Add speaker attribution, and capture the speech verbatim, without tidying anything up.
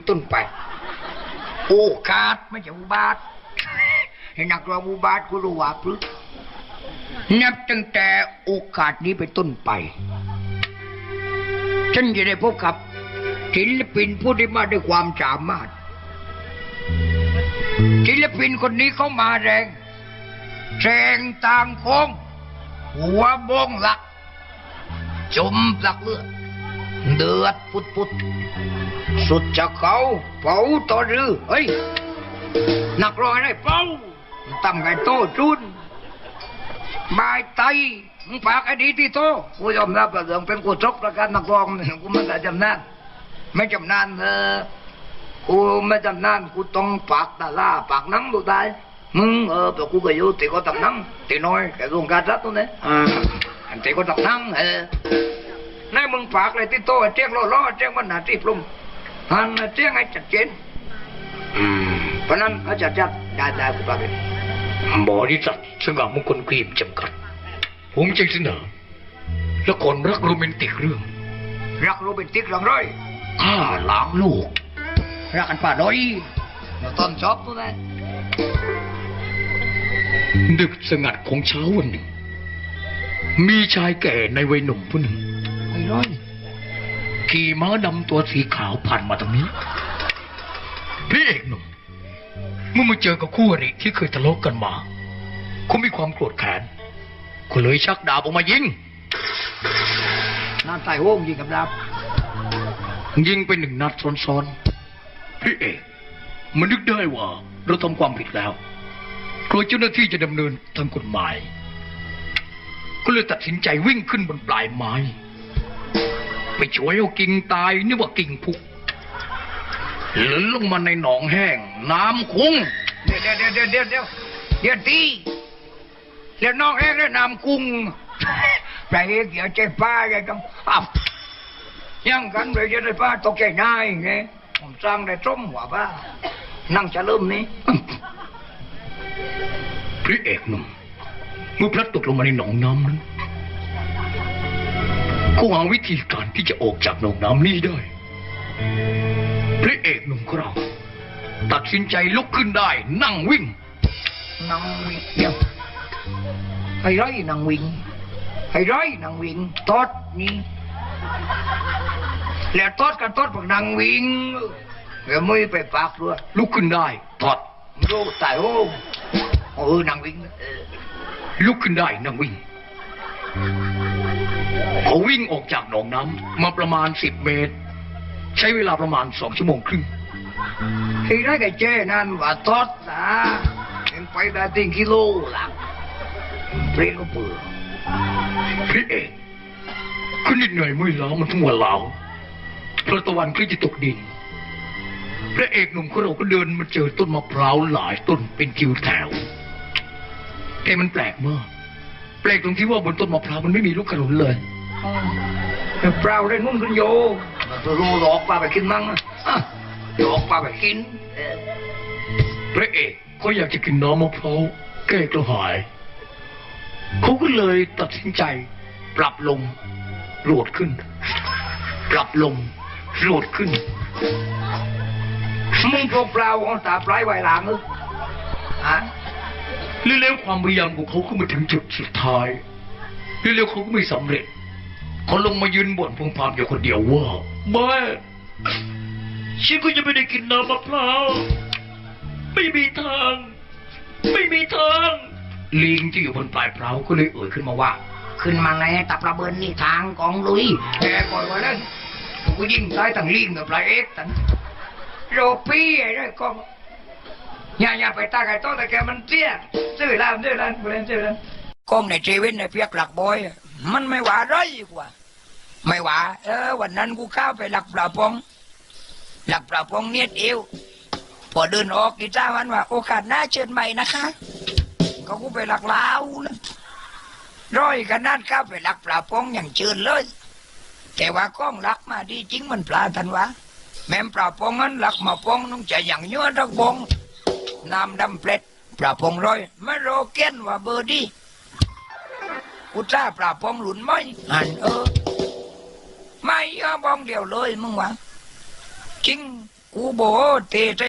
Speaker 1: ต้นไปโอกาสไม่ใช่อุบาทให้นักร้องอุบาทกูรู้ว่าพฤนับตั้งแต่โอกาสนี้ไปต้นไปฉันจะได้พบกับศิลปินผู้ที่มาด้วยความสามารถศิลปินคนนี้เขามาแรงแสงต่างโค้งหัวบงหลักจมหลักเลือดเดือดปุดปุดสุดจะเขาเป่าต่อรือเฮ้ยนักร้องได้เป่าตั้มไก่โตจุนบายไตมึงฝากไอ้ดีที่โตกูยอมรับว่าเรื่องเป็นกูจกประกันนักร้องกูไม่ได้จำนานไม่จำนานเออกูไม่จำนานกูต้องฝากตาล่าฝากนังดูได้มึงเออแต่กูก็อยู่ตีก็ตับนังตีน้อยแกลงการรัดตัวนี้อ่าอันตีก็ตับนังเออในมึงฝากเลยที่โตเจ้งล้อล้อเจ้งมันหนาที่ปลุ่มหันเจ้งให้ชัดเจนอืมเพราะนั้นเขาจะจัดได้ได้กูฝากเลยบริษัทสง่ามงคลครีมจำกัดผมจึงเสนอละครรักโรแมนติกเรื่องรักโรแมนติกเรื่องร้อยข้าล้างลูกรักกันป่าด้อยต้นชอบตัวนั้นดึกสงัดของเช้าวันหนึ่งมีชายแก่ในวัยหนุ่มผู้หนึ่งไอ้ร้อยขี่ม้าดำตัวสีขาวผ่านมาตรงนี้พี่เอกหนุ่มเมื่อมาเจอกับคู่อริที่เคยทะเลาะกันมาเขามีความโกรธแค้นก็เลยชักดาบออกมายิงนั่นใส่โว้งยิงกับดาบยิงไปหนึ่งนัดซ้อนๆพี่เอกมันนึกได้ว่าเราทำความผิดแล้วกลัวเจ้าหน้าที่จะดำเนินทางกฎหมายก็เลยตัดสินใจวิ่งขึ้นบนปลายไม้ไปช่วยเอากิ่งตายนึกว่ากิ่งพุกหล่นลงมาในหนองแห้งน้ำคุ้งเดี๋ยวเดี๋ยวเดี๋ยวเดี๋ยวเดี๋ยวเดี๋ยวตีเดี๋ยวน้องแห้งแล้วน้ำกุ้งไปเอกเดี๋ยวใจป้าใจต้องอับยังกันเลยจะได้ป้าตกใจง่ายไงผมสร้างได้ต้มหัวป้านั่งจะเริ่มนี้พระเอกหนุ่มเมื่อพลัดตกลงมาในหนองน้ำนั้นก็หาวิธีการที่จะออกจากหนองน้ำนี้ได้พระเอกหนุ่มของเราตัดสินใจลุกขึ้นได้นั่งวิ่งนั่งวิ่งเดียวให้ร้อยนั่งวิ่งให้ร้อยนั่งวิ่งทอดนี่แล้วทอดกันทอดพวกนั่งวิ่งแล้วไม่ไปปากด้วยลุกขึ้นได้ทอดโลตายโอ้เออนั่งวิ่งลุกขึ้นได้นั่งวิ่งเขาวิ่งออกจากหนองน้ำมาประมาณสิบเมตรใช้เวลาประมาณสองชั่วโมงครึ่งที่ได้กับเจ้นั่นว่าทอดนะยังไปได้ถึงกิโลหลังเปรี้ยวเปื่อยพี่เอกขึ้นนิดหน่อยไม่ล้ามันทั้งวันเหลาพระตะวันก็จะตกดินพระเอกหนุ่มของเราก็เดินมาเจอต้นมะพร้าวหลายต้นเป็นคิวแถวแต่มันแปลกมากแปลกตรงที่ว่าบนต้นมะพร้าวมันไม่มีลูกขนุนเลยเปล่าได้นุ่นกันโยตัวรูหลอกปลาไปกินมั้งหลอกปลาไปกินพระเอกเขาอยากจะกินน้ำมะพร้าวแก้กระหายเขาก็เลยตัดสินใจปรับลงโหลดขึ้นปรับลงโหลดขึ้นมึงเปล่าของตาปลายไวหลังเออฮะเร็วๆความพยายามของเขาก็มาถึงจุดสุดท้ายเร็วๆเขาก็ไม่สำเร็จเขาลงมายืนบ่นพึมพำอยู่คนเดียวว่าแม่ฉันก็จะไม่ได้กินน้ำมะพร้าวไม่มีทางไม่มีทางลิงที่อยู่บนปลายเปล่าก็เลยเอ่ยขึ้นมาว่าขึ้นมาไงตับระเบิดนี่ทางกองลุยแกก่อนไว้นั่นกูยิงตายตั้งลิงกับปลายเอ็กตั้งโรปี้ไอ้ด้วยกองอย่าอย่าไปตาไก่โตแต่แกมันเตี้ยซื้อแล้วซื้อแล้วกูเล่นซื้อแล้วกองในเจวินในเพียกหลักบอยมันไม่หวาร้อยกว่าไม่หวาเออวันนั้นกูเข้าไปหลักปลาปองหลักปลาปองเนียดเอวพอเดินออกกีตาร์มันว่าโอกาสหน้าเชิญใหม่นะคะก็กูไปหลักลาวนะร้อยกันนั่นเข้าไปหลักปลาปองอย่างเชิญเลยแต่ว่ากล้องหลักมาดีจริงมันปลาทันวะแม่ปลาปองนั้นหลักมาปองน้องจะอย่างเนื้อทักบองน้ำดำเปล็ดปลาปองร้อยไม่โรเกนว่าเบอร์ดี้กูจ้าปลาปองหลุนไม่หันเออไม่เอาบองเดียวเลยมึงวะจริง
Speaker 2: กูบอกเตะ